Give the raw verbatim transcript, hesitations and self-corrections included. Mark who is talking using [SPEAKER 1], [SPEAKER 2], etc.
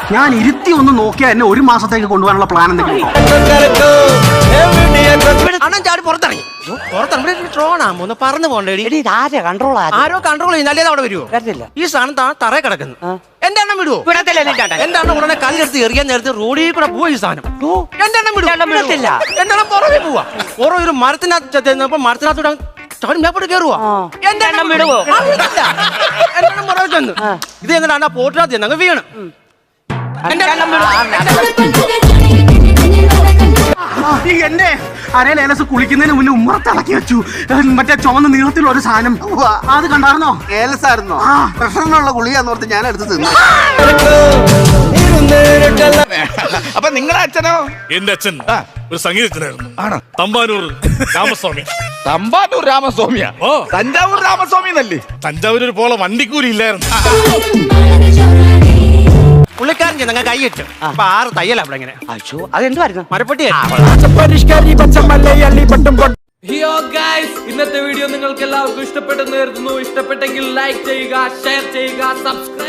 [SPEAKER 1] ഞാൻ ഇരുത്തി ഒന്ന് നോക്കിയാൽ എന്നെ ഒരു മാസത്തേക്ക് കൊണ്ടുപോകാനുള്ള പ്ലാൻ എന്തെങ്കിലും
[SPEAKER 2] അണ്ണൻ ചാടി പുറത്തിറങ്ങി പുറത്തിറങ്ങി ട്രോണാകുമ്പോ ഒന്ന് പറന്നു പോണ്ടേടി
[SPEAKER 3] കൺട്രോൾ
[SPEAKER 2] ആരോ കൺട്രോൾ ചെയ്യുന്നല്ലേ അവിടെ വരുമോ
[SPEAKER 3] വരത്തില്ല.
[SPEAKER 2] ഈ സാധനം താ തറയെ കിടക്കുന്നു എന്റെ എണ്ണം വിടുവോ
[SPEAKER 3] വിടത്തില്ല എന്റെ ചേട്ടൻ.
[SPEAKER 2] എന്റെ എണ്ണം ഉടനെ കല്ലെടുത്ത് എറിയാൻ നേരത്തെ റോഡിൽ കൂടെ പോയി ഈ സാധനം എന്റെ എണ്ണം വിടുവോ
[SPEAKER 3] എണ്ണം വിടത്തില്ല.
[SPEAKER 2] എന്റെ എണ്ണം പുറമെ പോവാ പുറം ഒരു മരത്തിനകത്ത് ചെന്നപ്പോ മരത്തിനകത്തൂടെ ചാടി മേപ്പോട്ട് കയറുവാ എന്റെ എണ്ണം വിടുവോ എന്റെ എണ്ണം പുറമെ ചെന്ന് ഇത് എങ്ങനെയാണ് പോട്ടിനകത്ത് ചെന്ന് അങ്ങ് വീണ് എന്റെ എണ്ണം വിടുവോ
[SPEAKER 1] ഈ എന്റെ അരയിൽ ഏലസ് കുളിക്കുന്നതിന് മുന്നേ ഉമ്മറത്തിളക്കി വെച്ചു മറ്റേ ചുവന്ന നീളത്തിലുള്ള ഒരു സാധനം അത് കണ്ടായിരുന്നോ?
[SPEAKER 4] ഏലസായിരുന്നോ? പ്രഷറിനുള്ള ഗുളികയെന്ന് ഓർത്ത് ഞാൻ എടുത്ത് തിന്നു.
[SPEAKER 5] അപ്പൊ നിങ്ങളുടെ അച്ഛനോ?
[SPEAKER 6] എന്റെ അച്ഛൻ ഒരു സംഗീതജ്ഞനായിരുന്നു.
[SPEAKER 5] ആണോ?
[SPEAKER 6] തമ്പാനൂർ രാമസ്വാമി.
[SPEAKER 5] തമ്പാനൂർ രാമസ്വാമിയാ?
[SPEAKER 6] ഓ,
[SPEAKER 5] തഞ്ചാവൂർ രാമസ്വാമി എന്നല്ലേ?
[SPEAKER 6] തഞ്ചാവൂർ ഒരു പോലെ വണ്ടിക്കൂലി ഇല്ലായിരുന്നു.
[SPEAKER 2] പുള്ളിക്കാരൻ ചെന്നങ്ങ് കൈയിട്ടു അപ്പൊ ആറ് തയ്യല അവിടെ ഇങ്ങനെ
[SPEAKER 3] അയ്യോ അതെന്തുവായിരുന്നു?
[SPEAKER 2] മരപ്പെട്ടി
[SPEAKER 7] ഹിയോ ഗൈസ്, ഇന്നത്തെ വീഡിയോ നിങ്ങൾക്ക് എല്ലാവർക്കും ഇഷ്ടപ്പെട്ടെന്ന് കരുതുന്നു. ഇഷ്ടപ്പെട്ടെങ്കിൽ ലൈക്ക് ചെയ്യുക, ഷെയർ ചെയ്യുക, സബ്സ്ക്രൈബ്